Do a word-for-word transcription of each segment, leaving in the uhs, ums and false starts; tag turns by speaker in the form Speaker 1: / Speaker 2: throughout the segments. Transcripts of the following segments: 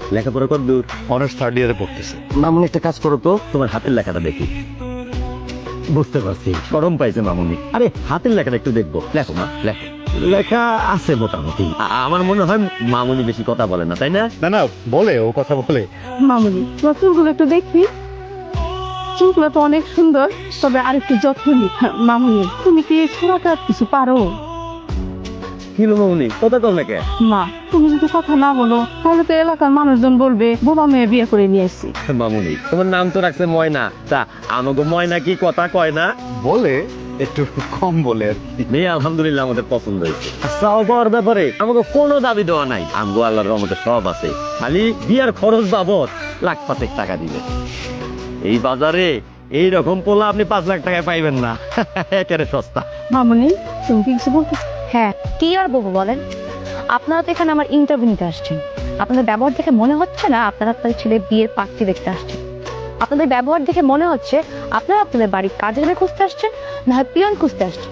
Speaker 1: লেখাপড়া কর দূর।
Speaker 2: অনার্স থার্ড ইয়ারে পড়তেছে।
Speaker 1: মামুনি একটা কাজ করো তো, তোমার হাতের লেখাটা দেখি। বুঝতে পারছি গরম পাইছে মামুনি। আরে হাতের লেখাটা একটু দেখবো। লেখো মা, লেখো। লেখা আছে মোটামুটি। আ- আমার মনে হয় মামুনি বেশি কথা বলে না, তাই না?
Speaker 2: না না, বলে, ও কথা বলে।
Speaker 3: মামুনি তোমার চুলগুলো একটু দেখবি, চুলগুলো তো অনেক সুন্দর, তবে আর একটু যত্ন নি। মামুনি তুমি কি ছোড়াটা কিছু পারো?
Speaker 1: কি হলো মামুনি, কথা কম নাকি?
Speaker 3: মা তুমি যদি কথা না বলো তাহলে তো এলাকার মানুষজন বলবে বোবা মেয়ে বিয়ে করে নিয়ে এসছি।
Speaker 1: মামুনি তোমার নাম তো রাখছে ময়না, তা আমাকে ময়না কি কথা কয় না?
Speaker 2: বলে, একটু কম বলে আর কি।
Speaker 1: মেয়ে আলহামদুলিল্লাহ আমাদের পছন্দ হয়েছে। চাও পাওয়ার ব্যাপারে আমাকে কোনো দাবি দেওয়া নাই। আমগো আল্লাহর রহমতে সব আছে, খালি বিয়ার খরচ বাবদ লাখ পাঁচেক টাকা দিবে। এই বাজারে এইরকম পোলা আপনি পাঁচ লাখ টাকায় পাইবেন না। একেবারে সস্তা।
Speaker 3: মামুনি তুমি কি কিছু বলতে?
Speaker 4: হ্যাঁ, কি আর বলবো বলেন? আপনারা তো এখানে আমার ইন্টারভিউ নিতে আসছেন। আপনাদের ব্যবহার দেখে মনে হচ্ছে না আপনারা আপনাদের ছেলে বিয়ের পাত্রী দেখতে আসছেন। আপনাদের ব্যবহার দেখে মনে হচ্ছে আপনারা আপনাদের বাড়ির কাজের মেয়ে খুঁজতে আসছেন, না হয় পিয়ন খুঁজতে আসছেন।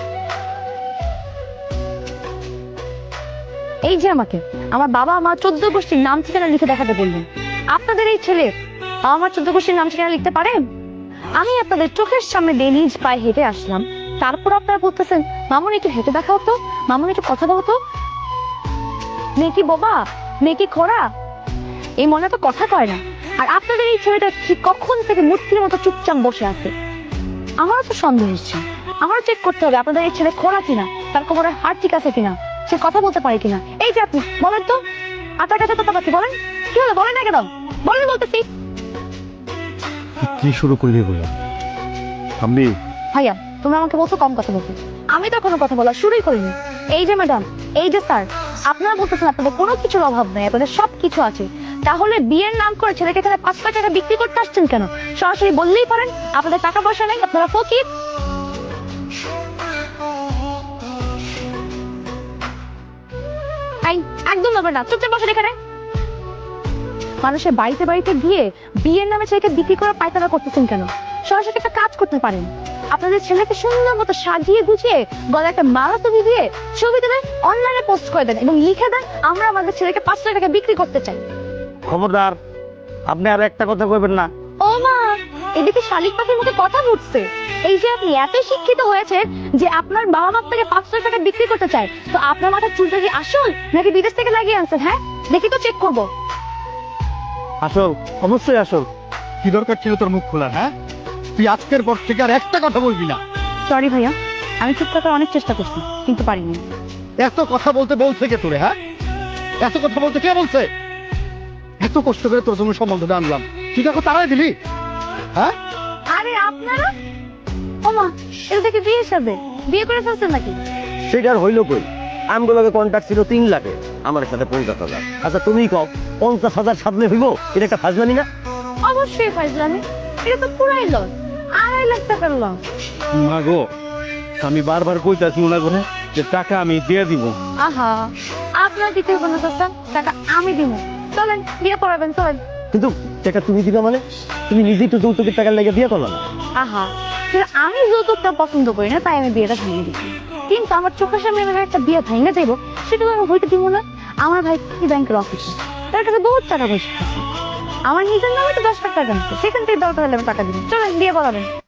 Speaker 4: এই যে আমাকে আমার বাবা আমার চোদ্দ গোষ্ঠীর নাম ঠিকানা লিখে দেখাতে বললেন, আপনাদের এই ছেলে আমার চোদ্দ গোষ্ঠীর নাম ঠিকানা লিখতে পারেন? আমি আপনাদের চোখের সামনে দিয়ে নিজ পায়ে হেঁটে আসলাম, তারপর আপনারা বলতেছেন মামুনি একটু হেঁটে দেখাও তো, মামুনি একটু কথা বলো তো। মেয়ে কি বোবা, মেয়ে কি খোড়া? এই মনে তো কথা কয় না। আর আপনাদের এই ছেলেটা ঠিক কখন থেকে মূর্তির মতো চুপচাপ বসে আছে। আমারও তো সন্দেহ হচ্ছে, আমারও চেক করতে হবে আপনাদের এই ছেলে খোড়া কিনা, তার কোমরে হাড় ঠিক আছে কিনা, সে কথা বলতে পারে কিনা। এই যে আপনি বলেন তো, আপনার কাছে তো পাচ্ছি, বলেন কি হলো, বলেন না কেন, বলেন বলতেছি।
Speaker 2: কি শুরু করবি বলে আমি?
Speaker 4: ভাইয়া তুমি আমাকে বলছো কম কথা বলতে, আমি তো কোনো কথা বলা শুরুই করিনি। এই যে ম্যাডাম, এই যে স্যার, আপনারা বলতেছেন আপনাদের কোনো কিছুর অভাব নেই, আপনাদের সব কিছু আছে, তাহলে বিয়ের নাম করে ছেলেকে এখানে পাঁচ লাখ টাকা বিক্রি করতে আসছেন কেন? সরাসরি বললেই পারেন আপনাদের টাকা পয়সা নেই, আপনারা ফকির। এই, একদম হবে না, চুপচাপ বসে এখানে। মানুষের বাড়িতে বাড়িতে গিয়ে বিয়ের নামে ছেলেকে বিক্রি করে পায়তারা করতেছেন কেন? সরাসরি একটা কাজ করতে পারেন, আপনাদের ছেলেকে সুন্দর মতো সাজিয়ে গুছিয়ে গলায় একটা মালা তুলি দিয়ে ছবি তুলে অনলাইনে পোস্ট করে দেন এবং লিখে দেন আমরা আমাদের ছেলেকে পাঁচ লাখ টাকা বিক্রি করতে চাই।
Speaker 1: খবরদার, আপনি আর একটা কথা কইবেন না।
Speaker 4: ও মা, এদিকে শালিক পাখির মুখে কথা ফুটছে। এই যে আপনি এত শিক্ষিত হয়েছেন যে আপনার বাবা মা থেকে পাঁচ লাখ টাকা বিক্রি করতে চায়, তো আপনার মাথার চুলটা কি আসল নাকি বিদেশ থেকে লাগিয়ে আনছেন? হ্যাঁ, দেখি তো, চেক করবো।
Speaker 1: আসল, অবশ্যই আসল।
Speaker 2: কি দরকার ছিল তোর মুখ খোলার? হ্যাঁ, তুই আজকের পর থেকে আর একটা কথা বলবি না।
Speaker 4: সরি ভাইয়া, আমি চুপ থাকার অনেক চেষ্টা করছি কিন্তু পারিনি।
Speaker 2: এত কথা বলতে বলছে কে তোরে? হ্যাঁ, এত কথা বলতে কে বলছে? এত কষ্ট করে তোর জন্য সম্বন্ধটা আনলাম, তুই দেখো তারাই দিলি। হ্যাঁ,
Speaker 4: আরে আপনারা, ও মা, এটা দেখে বিয়ে সাথে বিয়ে করে ফেলছেন নাকি?
Speaker 1: সেটা আর হইলো কই? আমগুলোকে কন্ট্যাক্ট ছিল তিন লাখে, আমার সাথে পঞ্চাশ হাজার। আচ্ছা তুমি কও, পঞ্চাশ হাজার সামনে হইব? এটা একটা ফাজলামি না?
Speaker 4: অবশ্যই ফাইজলামি, এটা তো পুরাই লস, আড়াই লাখ টাকার লস।
Speaker 2: মা গো, আমি বারবার কইতাছি না করে যে টাকা আমি দিয়ে দিব।
Speaker 4: আহা, আপনার দিতে হবে না চাচা, টাকা আমি দিব। চলেন বিয়ে পড়াবেন, চলেন।
Speaker 1: কিন্তু টাকা তুমি দিবা মানে? তুমি নিজেই তো যৌতুকের টাকার লেগে বিয়ে করলো না।
Speaker 4: আহা, কিন্তু আমি যৌতুকটা পছন্দ করি না, তাই আমি বিয়েটা ভেঙে দিচ্ছি। কিন্তু আমার চোখের সামনে এভাবে একটা বিয়ে ভেঙে যাইব, সেটা তো আমি হইতে দিব না। আমার ভাই কি ব্যাংকের অফিসে, তার কাছে বহুত টাকা পয়সা আছে, আমার নিজের নামে তো দশ লাখ টাকা আছে, সেখান থেকে দরকার হলে আমি টাকা দিব। চলেন বিয়ে পড়াবেন।